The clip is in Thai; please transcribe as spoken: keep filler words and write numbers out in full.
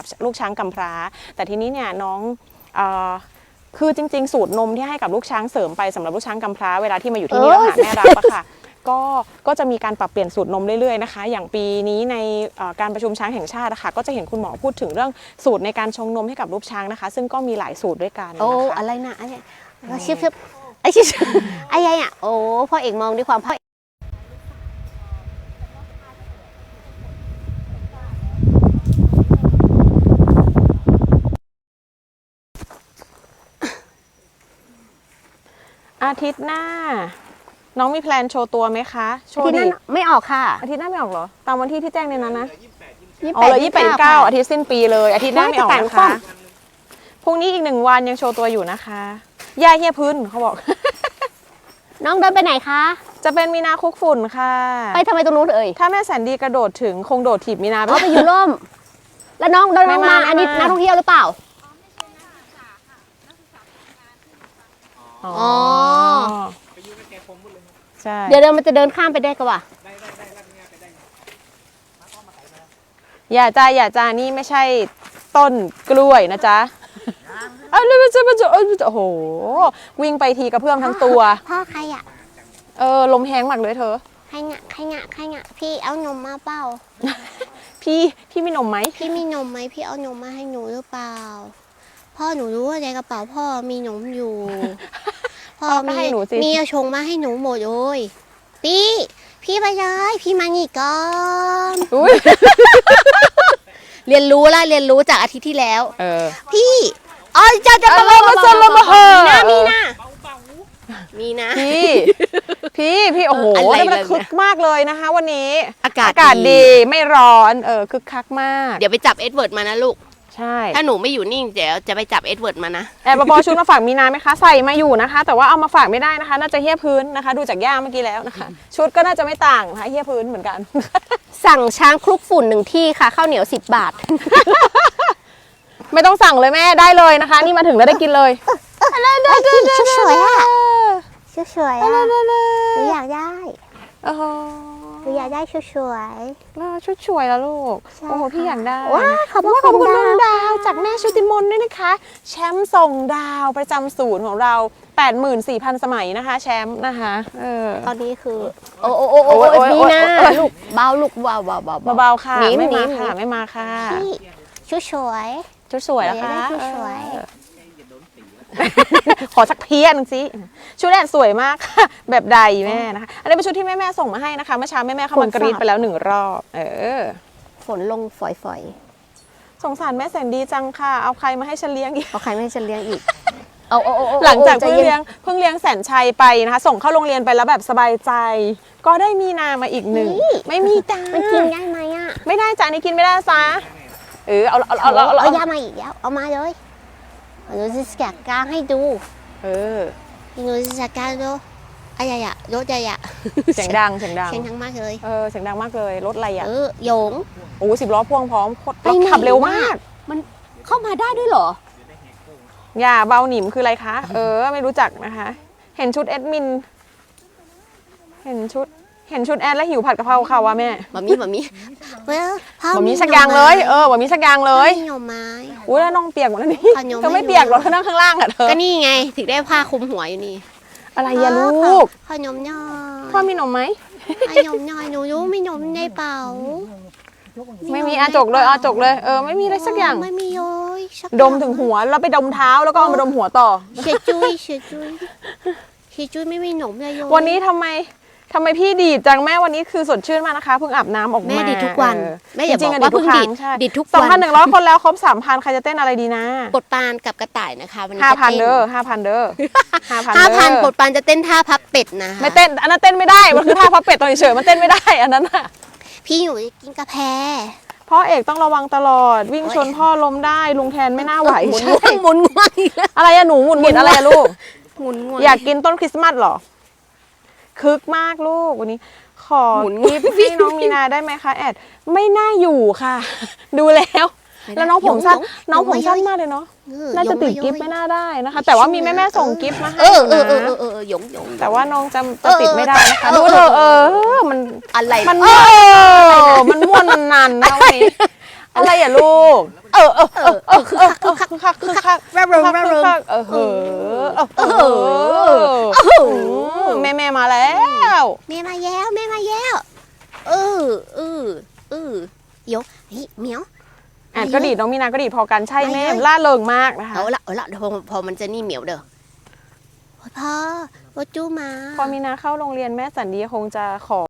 ลูกช้างกำพร้าแต่ทีนี้เนี่ยน้องคือจริงๆสูตรนมที่ให้กับลูกช้างเสริมไปสำหรับลูกช้างกำพร้าเวลาที่มาอยู่ที่นี่แล้วหาแม่รับอะค่ะก็ก็จะมีการปรับเปลี่ยนสูตรนมเรื่อยๆนะคะอย่างปีนี้ในการประชุมช้างแห่งชาตินะคะก็จะเห็นคุณหมอพูดถึงเรื่องสูตรในการชงนมให้กับลูกช้างนะคะซึ่งก็มีหลายสูตรด้วยกันนะคะโอ้อะไรนะไอ้ชิบชิบไอ้ชิบไอ้ยัยอ่ะโอ้พ่อเอกมองด้วยความพ่ออาทิตย์หน้าน้องมีแพลนโชว์ตัวไหมคะโชว์ดิไม่ออกค่ะอาทิตย์หน้าไม่ออกเหรอตามวันที่ที่แจ้งในนั้นนะอ๋อเลยยี่สิบแปดเก้าอาทิตย์สิ้นปีเลยอาทิตย์หน้าไม่ออกนะคะพรุ่งนี้อีกหนึ่งวันยังโชว์ตัวอยู่นะคะย่าเฮียพื้นเขาบอกน้องเดินไปไหนคะจะเป็นมีนาคุกฝุ่นค่ะไปทำไมตรงนู้นเอ่ยถ้าแม่แสนดีกระโดดถึงคงโดดถีบมีนาไปไปอยู่ร่มแล้วน้องเดินมาอันนี้นักท่องเที่ยวหรือเปล่าอ๋อใช่เดี๋ยวเดินมันจะเดินข้ามไปได้ก็ว่าอย่าจ้าอย่าจ้านี่ไม่ใช่ต้นกล้วยนะจ๊ะอ้าวแล้วมันจะมันจะโอ้โหวิ่งไปทีกระเพื่อมทั้งตัวพ่อใครอ่ะเออลมแห้งมากเลยเธอใครงะใครงะใครงะพี่เอานมมาเปล่าพี่พี่มีนมไหมพี่มีนมไหมพี่เอานมมาให้หนูหรือเปล่าพ่อหนูรู้ว่าในกระเป๋าพ่อมีนมอยู่พ่อมีมีเอาชงมาให้หนูหมดเลยพี่พี่ไปเลยพี่มานี่ก่อนเรียนรู้ละเรียนรู้จากอาทิตย์ที่แล้วเออพี่อ๋อจะจะมามาซลมาเฮนะมีนะมีนะพี่พี่พี่โอ้โหมันคึกมากเลยนะคะวันนี้อากาศอากาศดีไม่ร้อนเออคึกคักมากเดี๋ยวไปจับเอ็ดเวิร์ดมานะลูกใช่ถ้าหนูไม่อยู่นิ่งเดี๋ยวจะไปจับเอ็ดเวิร์ดมานะแอบปอชุดมาฝากมีนาไหมคะใส่มาอยู่นะคะแต่ว่าเอามาฝากไม่ได้นะคะน่าจะเหี้ยพื้นนะคะดูจากย่าเมื่อกี้แล้วนะคะชุดก็น่าจะไม่ต่างนะคะเหี้ยพื้นเหมือนกันสั่งช้างคลุกฝุ่นหนึ่งที่ค่ะข้าวเหนียวสิบบาทไม่ต้องสั่งเลยแม่ได้เลยนะคะนี่มาถึงแล้วได้กินเลยชุดสวยอ่ะชุดสวยอ่ะหนูอยากได้โอ้โหหนูอยากได้ชุดสวยชุดสวยแล้วลูกโอ้โหพี่อยากได้ว้าขอบคุณน้องดาวจากแม่ชุติมนด้วยนะคะแชมป์ส่งดาวประจำศูนย์ของเรา แปดหมื่นสี่พัน สมัยนะคะแชมป์นะคะเออตอนนี้คือโอ้โอ้โอ้โอ้นี่นะลูกเบาลูกเบาเบาเบาเบาค่ะไม่มาค่ะไม่มาค่ะชุดสวยชุดสวยแล้วค่ะชุดสวยขอสักเพี้ยนสิชุดแรกสวยมากค่ะแบบใดแม่นะคะอันนี้เป็นชุดที่แม่แม่ส่งมาให้นะคะเมื่อเช้าแม่แม่เข้ามากรีดไปแล้วหนึ่งรอบเออฝนลงฝอยๆสงสารแม่แสนดีจังค่ะเอาใครมาให้ฉันเลี้ยงอีกเอาใครมาให้ฉันเลี้ยงอีกเอาหลังจากเพิ่งเลี้ยงเพิ่งเลี้ยงแสนชัยไปนะคะส่งเข้าโรงเรียนไปแล้วแบบสบายใจก็ได้มีนามาอีกหนึ่งไม่มีจ้ามันกินได้ไหมอ่ะไม่ได้จ้านี่กินไม่ได้ซะเออเอาเอาเอาเอาเอายามาอีกแล้วเอามาเลยหนูจะจัดการให้ดูเออหนูจะจัดการดูอะไรอะรถอะไรอะเสียงดังเสียงดังเสียงดังมากเลยเออเสียงดังมากเลยรถอะไรอะเออโยงโอ้สิบล้อพ่วงพร้อมรถขับเร็วมากมันเข้ามาได้ด้วยเหรออย่าเบาหนิมคืออะไรคะเออไม่รู้จักนะคะเห็นชุดแอดมินเห็นชุดเห็นชุดแอดแล้วหิวผัดกะเพราค่ะว่าแม่บะมี่บะมี่บะมี่สักอย่างเลยเออบะมี่สักอย่างเลยหน่อไม้อุ้ยแล้วน้องเปียกหมดแล้วนี่เธอไม่เปียกหรอกเธอนั่งข้างล่างอ่ะเธอก็นี่ไงถึงได้ผ้าคลุมหัวอยู่นี่อะไรอย่าลูกขนมน้อยพ่อมีนมไหมขนมน้อยหนูรู้ไม่นมในเป๋าไม่มีอาจกเลยอาจกเลยเออไม่มีอะไรสักอย่างไม่มีเลยดมถึงหัวแล้วไปดมเท้าแล้วก็เอามาดมหัวต่อเฉียจุ้ยเฉียจุ้ยเฉียจุ้ยไม่มีนมเลยวันนี้ทำไมทำไมพี่ดีจังแม่วันนี้คือสดชื่นมากนะคะเพิ่งอาบน้ำออกมาแม่ดีทุกวันแม่อย่าบอกว่าเพิ่งดีดีทุกวันสองพันหนึ่งร้อย คนแล้วครบ สามพัน ใครจะเต้นอะไรดีนะปดปานกับกระต่ายนะคะวันนี้ห้าพัน เด้อ ห้าพัน เด้อห้าพัน ปดปานจะเต้นท่าพับเป็ดนะไม่เต้นอันนั้นเต้นไม่ได้มันคือท่าพับเป็ดตอนเฉยมันเต้นไม่ได้อันนั้นน่ะพี่อยู่กินกาแฟพ่อเอกต้องระวังตลอดวิ่งชนพ่อล้มได้ลุงแทนไม่น่าไหวหมุนหมุนง่วงอะไรอะหนูหมุนหมุนอะไรอะลูกหมุนง่วงอยากกินต้นคริสต์มาสหรอคึกมากลูกวันนี้ขอกิฟต์ให้น้องมีนาได้ไหมคะแอดไม่น่าอยู่ค่ะดูแล้วแล้วน้องผมสั้นน้องผมสั้นมากเลยเนาะน่าจะติดกิฟต์ไม่น่าได้นะคะแต่ว่ามีแม่แม่ส่งกิฟต์มาให้เออเออเออเออหยงหยงแต่ว่าน้องจะจะติดไม่ได้นะคะดูเธอเออมันอะไรมันเออมันม่วนมันนันนะวันนี้อะไรอ่ะลูกเออเออเออเออคือคักคือคักคือคักคือคักระเริงระเริงเออเออเออเออเออแม่แม่มาแล้วแม่มาแย้วแม่มาแย้วเออเออเออเดี๋ยวเฮ้ยเหมียวอ่ะก็ดีดน้องมีนาก็ดีดพอกันใช่แม่ไม่เลยล่าเริงมากนะคะเอาละเอาละเดี๋ยวพอพอมันจะนี่เหมียวเด้อพ่อพ่อจู้มาพอมีนาเข้าโรงเรียนแม่สันดีคงจะขอ